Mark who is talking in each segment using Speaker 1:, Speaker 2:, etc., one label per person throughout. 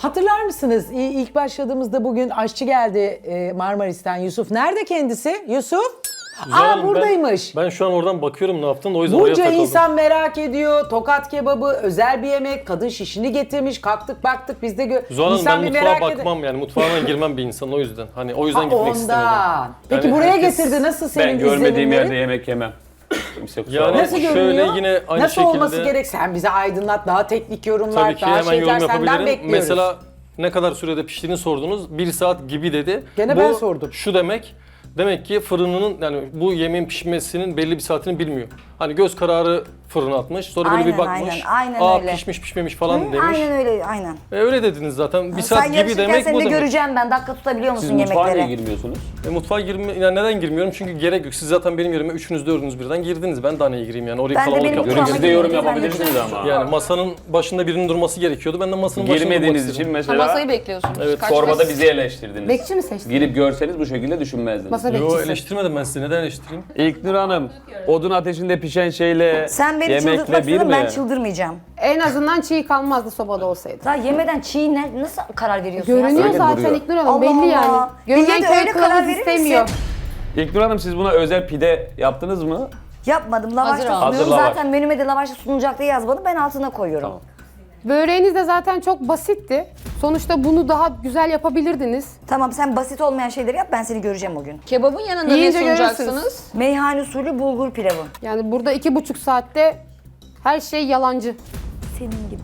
Speaker 1: Hatırlar mısınız? İlk başladığımızda bugün aşçı geldi Marmaris'ten, Yusuf. Nerede kendisi? Yusuf?
Speaker 2: Hanım,
Speaker 1: buradaymış.
Speaker 2: Ben şu an oradan bakıyorum ne yaptın, o yüzden oraya
Speaker 1: Bunca
Speaker 2: takıldım.
Speaker 1: insan merak ediyor. Tokat kebabı özel bir yemek. Kadın şişini getirmiş. Kalktık baktık biz de
Speaker 2: Zuhal Hanım,
Speaker 1: insan
Speaker 2: ben
Speaker 1: bir
Speaker 2: mutfağa
Speaker 1: merak eder.
Speaker 2: bakmam yani mutfağına girmem bir insan, o yüzden. Hani o yüzden
Speaker 1: Ha,
Speaker 2: gitmek istemedim.
Speaker 1: ondan. Peki
Speaker 2: Yani
Speaker 1: buraya
Speaker 2: herkes-
Speaker 1: getirdi. Nasıl senin
Speaker 3: Ben görmediğim
Speaker 1: izlenimlerin?
Speaker 3: yerde yemek yemem. Kimse kusura
Speaker 2: Yani
Speaker 3: bakmasın.
Speaker 1: Nasıl
Speaker 2: şöyle
Speaker 1: görünüyor?
Speaker 2: yine aynı
Speaker 1: Nasıl
Speaker 2: şekilde.
Speaker 1: olması gerek? Sen bize aydınlat. Daha teknik yorumlar,
Speaker 2: Tabii ki
Speaker 1: daha
Speaker 2: hemen
Speaker 1: şeyler
Speaker 2: yorum
Speaker 1: senden
Speaker 2: yapabilirim.
Speaker 1: bekliyoruz.
Speaker 2: Mesela ne kadar sürede piştiğini sordunuz. 1 saat gibi dedi.
Speaker 1: Gene
Speaker 2: Bu
Speaker 1: ben sordum.
Speaker 2: Şu demek ki fırınının, yani bu yemeğin pişmesinin belli bir saatini bilmiyor. Hani göz kararı fırına atmış. Sonra böyle bir bakmış.
Speaker 4: aynen öyle.
Speaker 2: Pişmiş pişmemiş falan
Speaker 4: Hı,
Speaker 2: demiş.
Speaker 4: aynen öyle, aynen.
Speaker 2: Öyle dediniz zaten. Bir saat
Speaker 4: Sen
Speaker 2: gibi
Speaker 4: yarışırken
Speaker 2: demek
Speaker 4: seni
Speaker 2: bu
Speaker 4: de
Speaker 2: demek.
Speaker 4: göreceğim ben. Dakika tutabiliyor musun
Speaker 3: Siz mutfağa niye
Speaker 4: yemeklere?
Speaker 3: girmiyorsunuz?
Speaker 2: Mutfağa yani neden girmiyorum? Çünkü gerek yok. Siz zaten benim yerime üçünüz dördünüz birden girdiniz. Ben daha neye gireyim yani? Orayı
Speaker 4: Ben de
Speaker 2: kalabalık
Speaker 4: benim
Speaker 2: yapmak
Speaker 4: mutfağıma
Speaker 3: Siz de
Speaker 2: istedim.
Speaker 3: yorum
Speaker 4: Ben de
Speaker 3: yapabilirsiniz ama.
Speaker 2: Yani masanın başında birinin durması gerekiyordu. Ben de masanın başında durmak
Speaker 3: Girmediğiniz
Speaker 2: istedim.
Speaker 3: için mesela
Speaker 5: Masayı bekliyorsunuz.
Speaker 2: Evet,
Speaker 3: çorbada bizi eleştirdiniz.
Speaker 6: Bekçi mi seçtin?
Speaker 3: Girip görseniz bu şekilde düşünmezdiniz.
Speaker 6: Masa
Speaker 2: Yo,
Speaker 6: bekçisi.
Speaker 2: eleştirmedim ben sizi. Neden eleştireyim?
Speaker 3: İlknur Hanım, odun ateşinde pişen şeyle
Speaker 4: Sen beni
Speaker 3: yemekle
Speaker 4: çıldırtmak
Speaker 3: bir
Speaker 4: istedin, ben
Speaker 3: mi?
Speaker 4: çıldırmayacağım.
Speaker 6: En azından çiğ kalmazdı sobada olsaydı.
Speaker 4: Daha yemeden çiğ nasıl karar veriyorsun ya?
Speaker 6: Görünüyor
Speaker 3: Öyle
Speaker 6: zaten
Speaker 3: duruyor.
Speaker 6: İknur Hanım,
Speaker 4: Allah
Speaker 6: belli
Speaker 4: Allah.
Speaker 6: yani. Görünen
Speaker 4: Bilge de
Speaker 6: köy
Speaker 4: öyle karar
Speaker 6: kılavuz
Speaker 4: verir
Speaker 6: istemiyor.
Speaker 4: misin?
Speaker 3: İlknur Hanım, siz buna özel pide yaptınız mı?
Speaker 4: Yapmadım. Lavaşta
Speaker 5: Hazır
Speaker 4: sunuyorum.
Speaker 3: Hazır lavaş.
Speaker 4: Zaten menüme de lavaşta sunulacak diye yazmadım. Ben altına koyuyorum.
Speaker 3: Tamam.
Speaker 6: Böreğiniz de zaten çok basitti. Sonuçta bunu daha güzel yapabilirdiniz.
Speaker 4: Tamam, sen basit olmayan şeyleri yap, ben seni göreceğim o gün.
Speaker 5: Kebabın yanında ne
Speaker 6: Yiyince
Speaker 5: sunacaksınız?
Speaker 6: görürsünüz.
Speaker 4: Meyhane usulü bulgur pilavı.
Speaker 6: Yani burada 2,5 saatte her şey yalancı.
Speaker 4: Senin gibi.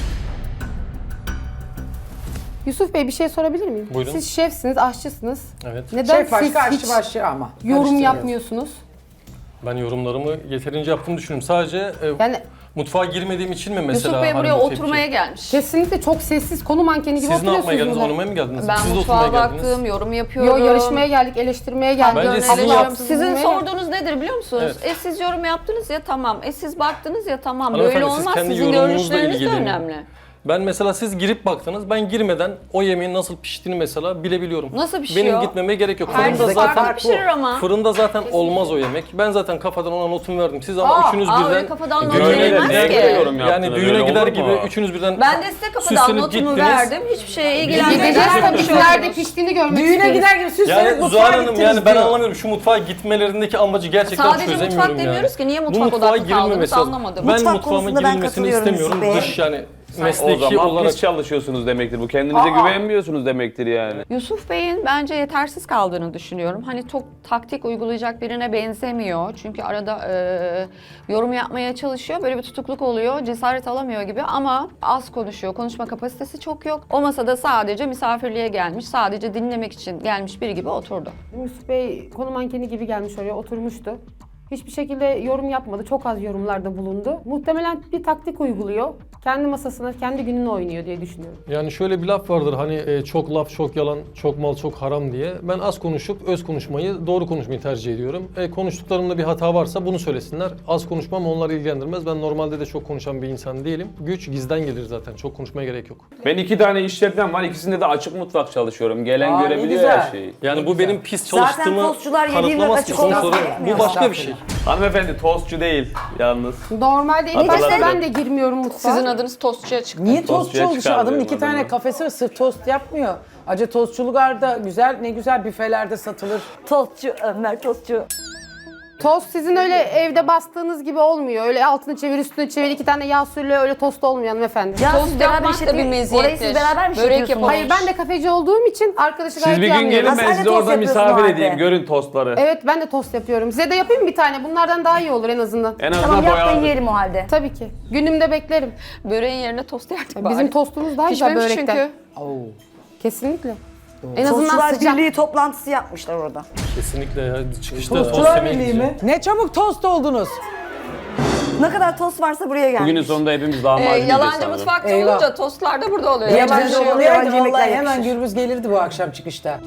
Speaker 6: Yusuf Bey, bir şey sorabilir miyim?
Speaker 2: Buyurun.
Speaker 6: Siz şefsiniz, aşçısınız.
Speaker 2: Evet.
Speaker 6: Neden
Speaker 1: Şef başka,
Speaker 6: siz
Speaker 1: aşçı
Speaker 6: hiç
Speaker 1: başka ama.
Speaker 6: yorum
Speaker 1: Karıştırıyoruz.
Speaker 6: yapmıyorsunuz?
Speaker 2: Ben yorumlarımı yeterince yaptığımı düşünüyorum. Sadece
Speaker 6: Yani
Speaker 2: mutfağa girmediğim için mi mesela?
Speaker 5: Yusuf Bey
Speaker 2: hani
Speaker 5: buraya
Speaker 2: bu tepki?
Speaker 5: oturmaya gelmiş.
Speaker 6: kesinlikle çok sessiz, konu mankeni gibi
Speaker 2: Siz ne yapmaya
Speaker 6: oturuyorsunuz
Speaker 2: geldiniz?
Speaker 6: burada.
Speaker 2: Oynamaya mı geldiniz?
Speaker 5: Ben
Speaker 2: Siz de
Speaker 5: mutfağa
Speaker 2: oturmaya geldiniz.
Speaker 5: baktım, yorum yapıyorum.
Speaker 6: Yo, yarışmaya geldik, eleştirmeye geldik.
Speaker 2: Bence
Speaker 5: Öyle
Speaker 2: sizin
Speaker 5: yorum-
Speaker 2: yaptığınız-
Speaker 5: Sizin
Speaker 6: Dinlemeye
Speaker 5: sorduğunuz nedir biliyor musunuz?
Speaker 2: Evet.
Speaker 5: Siz yorum yaptınız ya tamam. Siz baktınız ya tamam.
Speaker 2: Hanımefendi,
Speaker 5: Böyle
Speaker 2: siz
Speaker 5: olmaz.
Speaker 2: kendi
Speaker 5: Sizin
Speaker 2: yorumunuzla
Speaker 5: görüşleriniz de
Speaker 2: ilgilenin.
Speaker 5: önemli.
Speaker 2: Ben mesela siz girip baktınız, ben girmeden o yemeğin nasıl piştiğini mesela bilebiliyorum.
Speaker 5: Nasıl pişiyor?
Speaker 2: Benim gitmeme gerek yok.
Speaker 5: Herkes
Speaker 2: Fırında
Speaker 5: farklı
Speaker 2: zaten
Speaker 5: pişirir ama.
Speaker 2: fırında zaten olmaz o yemek. Ben zaten kafadan ona notumu verdim. Siz ama üçünüz
Speaker 5: Aa,
Speaker 2: birden
Speaker 5: öyle kafadan not
Speaker 2: düğüne
Speaker 5: verilmez
Speaker 2: gider
Speaker 5: ki.
Speaker 2: gibi
Speaker 3: Yorum
Speaker 2: yani
Speaker 3: yaptınız,
Speaker 2: düğüne
Speaker 3: öyle
Speaker 2: gider
Speaker 3: olur
Speaker 2: gibi
Speaker 3: mu?
Speaker 2: üçünüz birden
Speaker 5: Ben de size kafadan
Speaker 2: süslenip
Speaker 5: notumu
Speaker 2: gittiniz.
Speaker 5: verdim. Hiçbir şeye
Speaker 6: Gideceğiz
Speaker 5: ilgilenmeden
Speaker 6: tabii,
Speaker 5: bir şey
Speaker 6: nerede
Speaker 5: olmuş.
Speaker 6: piştiğini görmek
Speaker 1: Düğüne
Speaker 6: istiyoruz.
Speaker 1: gider gibi süslenip
Speaker 2: Yani
Speaker 1: mutfağa
Speaker 2: Zuhal Hanım,
Speaker 1: gittiniz
Speaker 2: yani ben
Speaker 1: diyor.
Speaker 2: anlamıyorum şu mutfağa gitmelerindeki amacı gerçekten
Speaker 5: Sadece
Speaker 2: çözemiyorum
Speaker 5: mutfak
Speaker 2: yani.
Speaker 5: demiyoruz ki, niye
Speaker 2: Bu
Speaker 5: mutfak
Speaker 2: mutfağa
Speaker 5: odaklı kaldınız
Speaker 2: girilmemesi lazım.
Speaker 5: anlamadım.
Speaker 2: Ben
Speaker 4: Mutfak
Speaker 2: mutfağıma
Speaker 4: konusunda ben
Speaker 2: girilmesini
Speaker 4: katılıyorum
Speaker 2: istemiyorum.
Speaker 4: Yusuf Bey'e.
Speaker 2: Dış yani
Speaker 3: O
Speaker 2: mesleki
Speaker 3: zaman
Speaker 2: olarak.
Speaker 3: pis çalışıyorsunuz demektir. Bu kendinize güvenmiyorsunuz demektir yani.
Speaker 5: Yusuf Bey'in bence yetersiz kaldığını düşünüyorum. Hani çok taktik uygulayacak birine benzemiyor. Çünkü arada yorum yapmaya çalışıyor. Böyle bir tutukluk oluyor. Cesaret alamıyor gibi ama az konuşuyor. Konuşma kapasitesi çok yok. O masada sadece misafirliğe gelmiş, sadece dinlemek için gelmiş biri gibi oturdu.
Speaker 6: Yusuf Bey konu mankeni gibi gelmiş oraya, oturmuştu. Hiçbir şekilde yorum yapmadı. Çok az yorumlarda bulundu. Muhtemelen bir taktik uyguluyor. Kendi masasına, kendi gününü oynuyor diye düşünüyorum.
Speaker 2: Yani şöyle bir laf vardır hani çok laf çok yalan, çok mal çok haram diye. Ben az konuşup öz konuşmayı, doğru konuşmayı tercih ediyorum. Konuştuklarımda bir hata varsa bunu söylesinler. Az konuşmam onları ilgilendirmez. Ben normalde de çok konuşan bir insan değilim. Güç gizden gelir zaten. Çok konuşmaya gerek yok.
Speaker 3: Ben 2 tane işletmem var. İkisinde de açık mutfak çalışıyorum. Gelen
Speaker 1: Aa, ne
Speaker 3: görebiliyor
Speaker 1: güzel.
Speaker 3: her şeyi.
Speaker 2: Yani bu benim pis
Speaker 4: Zaten
Speaker 2: çalıştığımı
Speaker 4: tostçular yediğinde
Speaker 2: kanıtlamaz ki.
Speaker 4: açık
Speaker 2: Sonuç
Speaker 4: olması
Speaker 2: olarak
Speaker 4: gerekmiyor.
Speaker 2: bu başka bir şey.
Speaker 3: Hanımefendi tostçu değil yalnız.
Speaker 6: Normalde ilk başta
Speaker 3: Hatırladım.
Speaker 6: ben de girmiyorum mutfağa.
Speaker 5: Sizin adınız tostçuya çıktı.
Speaker 1: Niye tostçu
Speaker 3: Tostçuya
Speaker 1: oldu? Şu
Speaker 3: çıkardı
Speaker 1: adamın
Speaker 3: benim
Speaker 1: 2 tane
Speaker 3: adamı.
Speaker 1: kafesi var, sırf tost yapmıyor. Acı tostçuluklarda güzel, ne güzel büfelerde satılır.
Speaker 4: Tostçu, Ömer tostçu.
Speaker 6: Tost sizin öyle evde bastığınız gibi olmuyor. Öyle altını çevir, üstünü çevir, 2 tane yağ sürüyle öyle tost olmuyor hanımefendi.
Speaker 4: Ya
Speaker 5: Tost
Speaker 4: siz beraber
Speaker 5: yapmak da bir
Speaker 4: işletiyor-
Speaker 5: meziyettir.
Speaker 4: Orayı siz beraber mi
Speaker 5: Börek
Speaker 4: işletiyorsunuz?
Speaker 5: yapalım.
Speaker 6: Hayır, ben de kafeci olduğum için arkadaşı
Speaker 3: Siz
Speaker 6: gayet
Speaker 3: bir
Speaker 6: iyi
Speaker 3: gün
Speaker 6: anlıyorum.
Speaker 3: gelin
Speaker 4: Ha,
Speaker 3: ben
Speaker 4: sen de
Speaker 3: size
Speaker 4: tost
Speaker 3: orada
Speaker 4: yapıyorsun
Speaker 3: misafir
Speaker 4: o halde.
Speaker 3: edeyim. Görün tostları.
Speaker 6: Evet, ben de tost yapıyorum. Size de yapayım bir tane. Bunlardan daha iyi olur en azından.
Speaker 3: En azından
Speaker 4: Tamam, yap da
Speaker 3: boyalı.
Speaker 4: yiyelim o halde.
Speaker 6: Tabii ki. Günümde beklerim.
Speaker 5: Böreğin yerine tost yerdik bari.
Speaker 6: Bizim tostumuz daha güzel
Speaker 5: Pişmemiş
Speaker 6: börekten.
Speaker 5: çünkü.
Speaker 1: Oo.
Speaker 6: Kesinlikle. En azından
Speaker 4: Tostçular
Speaker 6: sıcak.
Speaker 4: Birliği toplantısı yapmışlar orada.
Speaker 2: Kesinlikle ya. Çıkışta tost
Speaker 1: Tostçular
Speaker 2: yemeye
Speaker 1: Birliği
Speaker 2: gideceğim.
Speaker 1: mi? Ne çabuk tost oldunuz.
Speaker 4: Ne kadar tost varsa buraya gelmiş.
Speaker 3: Bugünün sonunda hepimiz lahmacun yiyeceğiz
Speaker 5: Yalancı
Speaker 3: sanırım.
Speaker 5: mutfakta
Speaker 1: Eyvah.
Speaker 5: olunca tostlar da burada oluyor.
Speaker 4: Yabancı
Speaker 5: Yapacak bir şey yok.
Speaker 4: oluyor.
Speaker 1: Olaydı
Speaker 4: yabancı yemekler
Speaker 1: vallahi hemen
Speaker 4: yakışır.
Speaker 1: Gürbüz gelirdi bu akşam çıkışta.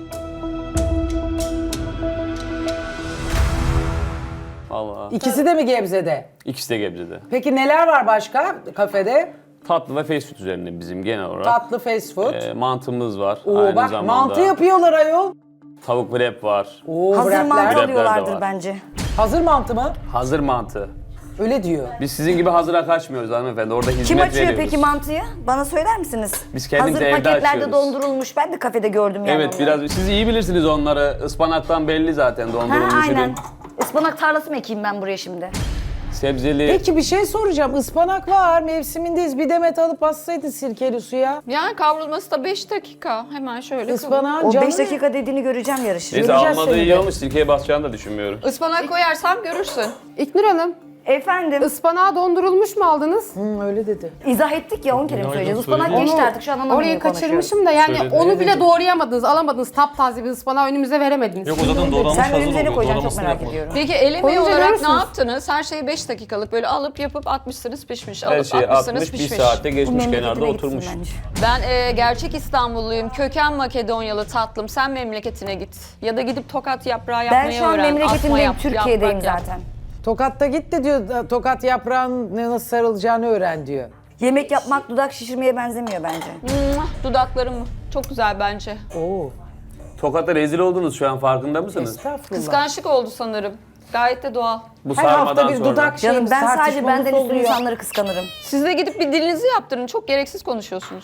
Speaker 3: Allah.
Speaker 1: İkisi de mi Gebze'de?
Speaker 3: İkisi de Gebze'de.
Speaker 1: Peki neler var başka kafede?
Speaker 3: Tatlı ve fast food üzerinde bizim genel olarak.
Speaker 1: Tatlı, fast food.
Speaker 3: Mantımız var.
Speaker 1: Oo,
Speaker 3: Aynı
Speaker 1: bak
Speaker 3: zamanda
Speaker 1: mantı yapıyorlar ayol.
Speaker 3: tavuk wrap var.
Speaker 1: Oo,
Speaker 4: Hazır
Speaker 1: wrapler.
Speaker 4: mantı
Speaker 3: Wrapler de
Speaker 4: alıyorlardır
Speaker 3: var.
Speaker 4: bence.
Speaker 1: Hazır mantı mı?
Speaker 3: Hazır mantı.
Speaker 1: Öyle diyor.
Speaker 3: Biz sizin gibi hazıra kaçmıyoruz hanımefendi. Orada hizmet
Speaker 4: Kim açıyor
Speaker 3: veriyoruz.
Speaker 4: peki mantıyı? Bana söyler misiniz?
Speaker 3: Biz kendimiz
Speaker 4: Hazır
Speaker 3: evde
Speaker 4: paketlerde
Speaker 3: açıyoruz.
Speaker 4: dondurulmuş. Ben de kafede gördüm yani
Speaker 3: Evet
Speaker 4: onları.
Speaker 3: biraz siz iyi bilirsiniz onları. Ispanaktan belli zaten
Speaker 4: Ha,
Speaker 3: dondurulmuş
Speaker 4: aynen.
Speaker 3: ürün.
Speaker 4: Ispanak tarlası mı ekeyim ben buraya şimdi?
Speaker 3: Sebzeli.
Speaker 1: Peki bir şey soracağım. Ispanak var, mevsimindeyiz. Bir demet alıp bassaydın sirkeli suya.
Speaker 5: Yani kavrulması da 5 dakika. Hemen şöyle kavur.
Speaker 1: Ispanağın
Speaker 4: O
Speaker 1: canı
Speaker 4: 5 dakika dediğini göreceğim yarışı.
Speaker 3: Neyse
Speaker 1: göreceğiz
Speaker 3: almadığı
Speaker 1: seni
Speaker 3: iyi
Speaker 1: de.
Speaker 3: olmuş. Sirkeye basacağını da düşünmüyorum.
Speaker 5: Ispanak koyarsam görürsün.
Speaker 6: İknur Hanım,
Speaker 4: Efendim,
Speaker 6: ıspanağı dondurulmuş mu aldınız?
Speaker 1: Öyle dedi.
Speaker 4: izah ettik ya 10 kere mi
Speaker 2: Aynen,
Speaker 4: söyleyeceğiz? Ispanak
Speaker 2: söyledim.
Speaker 4: geçti artık şu an anlamıyorum.
Speaker 6: Orayı kaçırmışım da yani
Speaker 2: Söyledi.
Speaker 6: onu bile doğrayamadınız, alamadınız. Taptaze bir ıspanağı önümüze veremediniz.
Speaker 2: Yok o zaten doğranmış
Speaker 4: Sen
Speaker 2: hazır
Speaker 4: önümüze ne
Speaker 2: oluyor.
Speaker 4: koyacaksın çok
Speaker 2: Doğramasını
Speaker 4: merak
Speaker 2: yapmadım.
Speaker 4: ediyorum.
Speaker 5: Peki el emeği
Speaker 6: Koyunca
Speaker 5: olarak
Speaker 6: görürsünüz.
Speaker 5: ne yaptınız? Her şeyi 5 dakikalık böyle alıp yapıp atmışsınız pişmiş.
Speaker 3: Her
Speaker 5: Alıp
Speaker 3: şey
Speaker 5: atmışsınız
Speaker 3: 60 bir
Speaker 5: pişmiş.
Speaker 3: saatte
Speaker 4: Bu
Speaker 3: geçmiş kenarda
Speaker 4: memleketine gitsin
Speaker 3: oturmuş.
Speaker 4: bence.
Speaker 5: Ben gerçek İstanbulluyum. Köken Makedonyalı tatlım. Sen memleketine git. Ya da gidip tokat yaprağı yapmayı
Speaker 4: Ben
Speaker 5: öğren.
Speaker 4: şu an
Speaker 5: Asma
Speaker 4: memleketimdeyim,
Speaker 5: yap,
Speaker 4: Türkiye'deyim
Speaker 5: yaprak yap.
Speaker 4: zaten.
Speaker 1: Tokat'ta gitti diyor. Tokat yaprağın nasıl sarılacağını öğren diyor.
Speaker 4: Yemek yapmak dudak şişirmeye benzemiyor bence.
Speaker 5: Muah, dudaklarım çok güzel bence.
Speaker 1: Oo.
Speaker 3: Tokat'ta rezil oldunuz şu an farkında mısınız?
Speaker 1: Estağfurullah.
Speaker 5: Kıskançlık oldu sanırım. Gayet de doğal.
Speaker 3: Bu
Speaker 1: Her
Speaker 3: sarmadan
Speaker 1: hafta bir
Speaker 3: sonra.
Speaker 1: dudak
Speaker 4: Canım
Speaker 1: şeyimiz,
Speaker 4: ben sadece
Speaker 1: tartışmamız
Speaker 4: benden üstün
Speaker 1: oluyor.
Speaker 4: insanları kıskanırım.
Speaker 5: Siz de gidip bir dilinizi yaptırın. Çok gereksiz konuşuyorsunuz.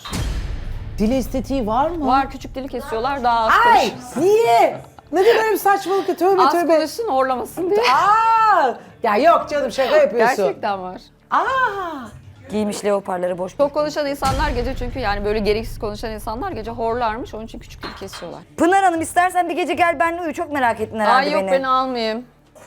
Speaker 1: Dil estetiği var mı?
Speaker 5: Var küçük dili kesiyorlar daha az
Speaker 1: Ay
Speaker 5: konuşsun.
Speaker 1: niye? Ne de böyle bir saçmalık ya, tövbe
Speaker 5: Az
Speaker 1: tövbe.
Speaker 5: konuşsun horlamasın diye.
Speaker 1: Aa! Ya yok canım şaka yapıyorsun.
Speaker 5: Gerçekten var.
Speaker 1: Aa!
Speaker 4: Giymiş leoparları boş.
Speaker 5: Çok konuşan insanlar gece çünkü yani böyle gereksiz konuşan insanlar gece horlarmış. Onun için küçük dil kesiyorlar.
Speaker 4: Pınar Hanım istersen bir gece gel benimle uyu. Çok merak ettin herhalde
Speaker 5: Ay yok
Speaker 4: beni.
Speaker 5: beni almayayım.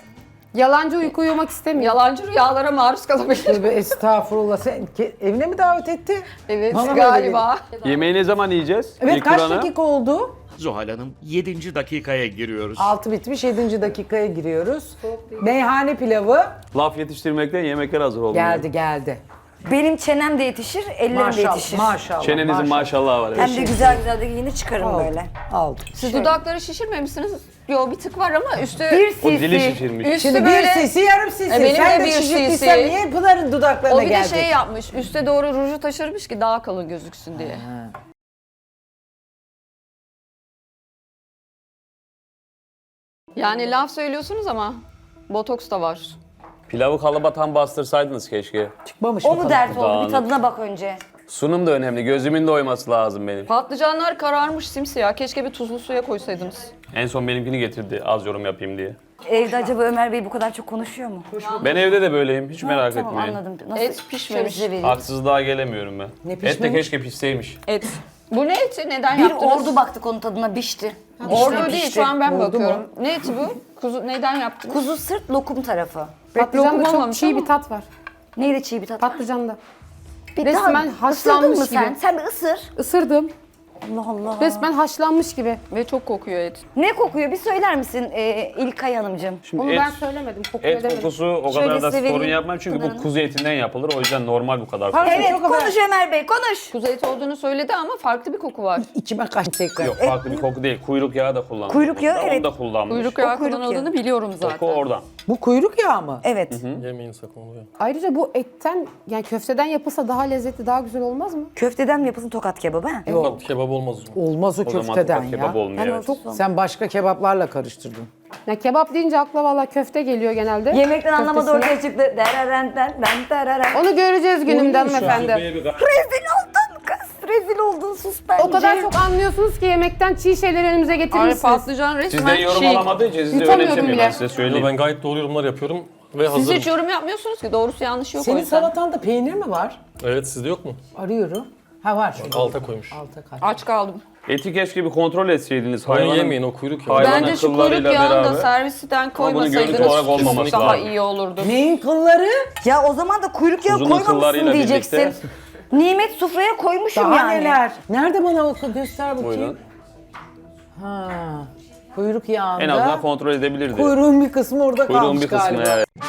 Speaker 6: Yalancı uyku uyumak istemiyor.
Speaker 5: Yalancı rüyalara maruz kalabilir.
Speaker 1: Tövbe estağfurullah. Sen evine mi davet etti?
Speaker 5: Evet
Speaker 1: Bana böyle
Speaker 5: galiba.
Speaker 3: Yemeği ne zaman yiyeceğiz?
Speaker 1: Evet
Speaker 3: İlk
Speaker 1: kaç
Speaker 3: Kur'an'a.
Speaker 1: dakika oldu?
Speaker 7: Zuhal Hanım 7. dakikaya giriyoruz.
Speaker 1: 6 bitmiş 7. dakikaya giriyoruz. Meyhane pilavı
Speaker 3: Laf yetiştirmekten yemekler hazır olmuyor.
Speaker 1: geldi.
Speaker 4: Benim çenem de yetişir, ellerim de
Speaker 1: Maşallah
Speaker 4: yetişir.
Speaker 1: maşallah.
Speaker 3: Çenenizin maşallahı var.
Speaker 4: Hem
Speaker 3: Evet.
Speaker 4: de güzel güzel de giyinir çıkarım
Speaker 1: Aldım,
Speaker 4: böyle.
Speaker 1: aldım.
Speaker 5: Siz dudakları şişirmemişsiniz. Yo bir tık var ama üstü...
Speaker 4: Bir
Speaker 3: O dili
Speaker 4: sisi.
Speaker 3: şişirmiş.
Speaker 5: Üstü
Speaker 1: Şimdi
Speaker 5: böyle...
Speaker 1: bir sisi yarım sisi.
Speaker 5: Benim
Speaker 1: Sen
Speaker 5: de
Speaker 1: de
Speaker 5: bir
Speaker 1: şişirttiysen
Speaker 5: sisi.
Speaker 1: niye Pınar'ın dudaklarına
Speaker 5: O bir de
Speaker 1: geldi?
Speaker 5: şey yapmış. Üste doğru ruju taşırmış ki daha kalın gözüksün diye. Yani laf söylüyorsunuz ama botoks da var.
Speaker 3: Pilavı kalıba tam bastırsaydınız keşke.
Speaker 1: Çıkmamış
Speaker 4: O
Speaker 1: mı
Speaker 4: mu
Speaker 1: kadar?
Speaker 4: dert oldu? Bir
Speaker 3: Dağınık.
Speaker 4: tadına bak önce.
Speaker 3: Sunum da önemli. Gözümün de oyması lazım benim.
Speaker 5: Patlıcanlar kararmış simsiyah. Keşke bir tuzlu suya koysaydınız.
Speaker 3: En son benimkini getirdi az yorum yapayım diye.
Speaker 4: Evde acaba Ömer Bey bu kadar çok konuşuyor mu?
Speaker 3: Ben evde de böyleyim. Hiç merak
Speaker 4: Tamam
Speaker 3: etmeyin.
Speaker 4: anladım. Nasıl
Speaker 5: Et pişmemiş.
Speaker 4: şöyle size vereyim.
Speaker 3: Haksızlığa gelemiyorum ben.
Speaker 1: Ne
Speaker 3: Et de
Speaker 1: pişmemiş?
Speaker 3: keşke pişseymiş.
Speaker 5: Et. Bu ne eti? Neden
Speaker 4: Bir
Speaker 5: yaptınız?
Speaker 4: ordu baktık onun tadına bişti.
Speaker 5: Ordu değil şu an ben
Speaker 1: Oldu
Speaker 5: bakıyorum. Ne eti bu? Kuzu neden yaptınız?
Speaker 4: Kuzu sırt lokum tarafı.
Speaker 6: Patlıcanda
Speaker 5: lokum
Speaker 6: çok
Speaker 5: olmamış
Speaker 6: çiğ
Speaker 5: ama.
Speaker 6: bir tat var.
Speaker 4: Neydi çiğ bir tat? var?
Speaker 6: Patlıcanda.
Speaker 4: Bir
Speaker 6: resmen
Speaker 4: daha-
Speaker 6: haşlanmış
Speaker 4: Isırdın mı sen?
Speaker 6: gibi.
Speaker 4: Sen bir ısır.
Speaker 6: Isırdım.
Speaker 4: Allah Allah.
Speaker 6: Resmen haşlanmış gibi.
Speaker 5: Ve çok kokuyor et.
Speaker 4: Ne kokuyor? Bir söyler misin İlkay Hanımcığım?
Speaker 3: Şimdi
Speaker 6: Onu
Speaker 3: et,
Speaker 6: ben söylemedim. Kokuyor
Speaker 3: et
Speaker 6: demedim.
Speaker 3: kokusu o
Speaker 4: Şöyle
Speaker 3: kadar da
Speaker 4: size
Speaker 3: sorun
Speaker 4: vereyim.
Speaker 3: yapmam çünkü bu
Speaker 4: Pınar'ın.
Speaker 3: kuzu etinden yapılır. O yüzden normal bu kadar.
Speaker 1: Pardon,
Speaker 4: Evet
Speaker 1: çok haber-
Speaker 4: konuş Ömer Bey konuş.
Speaker 5: Kuzu eti olduğunu söyledi ama farklı bir koku var.
Speaker 1: İçime kaçtı tekrar.
Speaker 3: Yok farklı bir koku değil. Kuyruk yağı da kullanmış.
Speaker 4: Kuyruk yağı,
Speaker 3: Onu
Speaker 4: evet.
Speaker 3: da kullanmış.
Speaker 5: Kuyruk yağı
Speaker 4: kuyruk
Speaker 5: kullanıldığını biliyorum zaten.
Speaker 3: Koku oradan.
Speaker 1: Bu kuyruk yağı mı?
Speaker 4: Evet.
Speaker 2: Yemeyin sakın oluyor.
Speaker 6: Ayrıca bu etten yani köfteden yapılsa daha lezzetli, daha güzel olmaz mı?
Speaker 4: Köfteden mi yapılsın tokat kebabı ha?
Speaker 2: Tokat kebabı olmaz o zaman.
Speaker 1: Olmaz o
Speaker 3: O zaman
Speaker 1: köfteden
Speaker 3: tokat kebap
Speaker 1: ya.
Speaker 3: olmuyor. Evet.
Speaker 1: Sen başka kebaplarla karıştırdın.
Speaker 6: Ya kebap deyince akla valla köfte geliyor genelde.
Speaker 4: Yemekten anlamadı
Speaker 6: Köftesine.
Speaker 4: ortaya çıktı. Dereren.
Speaker 6: Onu göreceğiz günümden
Speaker 1: Oluyor şu an.
Speaker 6: hanımefendi.
Speaker 4: Rezil oldun kız. Rezil oldun sus bence.
Speaker 6: O kadar çok anlıyorsunuz ki yemekten çiğ şeyleri önümüze
Speaker 5: Ay
Speaker 6: getirirsiniz.
Speaker 5: patlıcan resmen
Speaker 3: Sizden yorum
Speaker 5: çiğ.
Speaker 3: alamadığı için sizi
Speaker 6: Yutamıyorum
Speaker 3: önemsemiyor
Speaker 6: bile.
Speaker 3: ben size
Speaker 2: Yo,
Speaker 3: söyleyeyim.
Speaker 2: ben gayet doğru yorumlar yapıyorum ve
Speaker 5: Siz
Speaker 2: hazırım.
Speaker 5: hiç yorum yapmıyorsunuz ki. Doğrusu yanlış yok o
Speaker 1: Senin
Speaker 5: yüzden.
Speaker 1: salatanda peynir mi var?
Speaker 2: Evet sizde yok mu?
Speaker 1: Arıyorum. Ha var şurada.
Speaker 2: Alta koymuş.
Speaker 1: Alta kaç.
Speaker 5: Aç kaldım.
Speaker 3: Eti keşke bir kontrol etseydiniz.
Speaker 2: Onu
Speaker 3: Hayvanın
Speaker 2: yemeyin o kuyruk yağı.
Speaker 3: Hayvanın
Speaker 5: Bence şu kuyruk
Speaker 3: kıllarıyla
Speaker 5: yağını da
Speaker 3: beraber.
Speaker 5: servisten
Speaker 3: görüntü
Speaker 5: koymasaydınız
Speaker 3: olarak olmaması
Speaker 5: daha
Speaker 3: lazım.
Speaker 5: iyi olurdu.
Speaker 1: Neyin kılları?
Speaker 4: Ya o zaman da kuyruk yağı
Speaker 3: Kuzunun
Speaker 4: koymamışsın
Speaker 3: kıllarıyla
Speaker 4: diyeceksin.
Speaker 3: birlikte.
Speaker 4: Nimet sofraya koymuşum
Speaker 1: Daha
Speaker 4: yani.
Speaker 1: neler? Nerede bana oku göster bakayım.
Speaker 3: Buyurun.
Speaker 1: Ha. Kuyruk yağında.
Speaker 3: En azından kontrol edebilirdi.
Speaker 1: Kuyruğun bir kısmı orada
Speaker 3: Kuyruğun
Speaker 1: kalmış
Speaker 3: bir kısmı
Speaker 1: galiba.
Speaker 3: evet.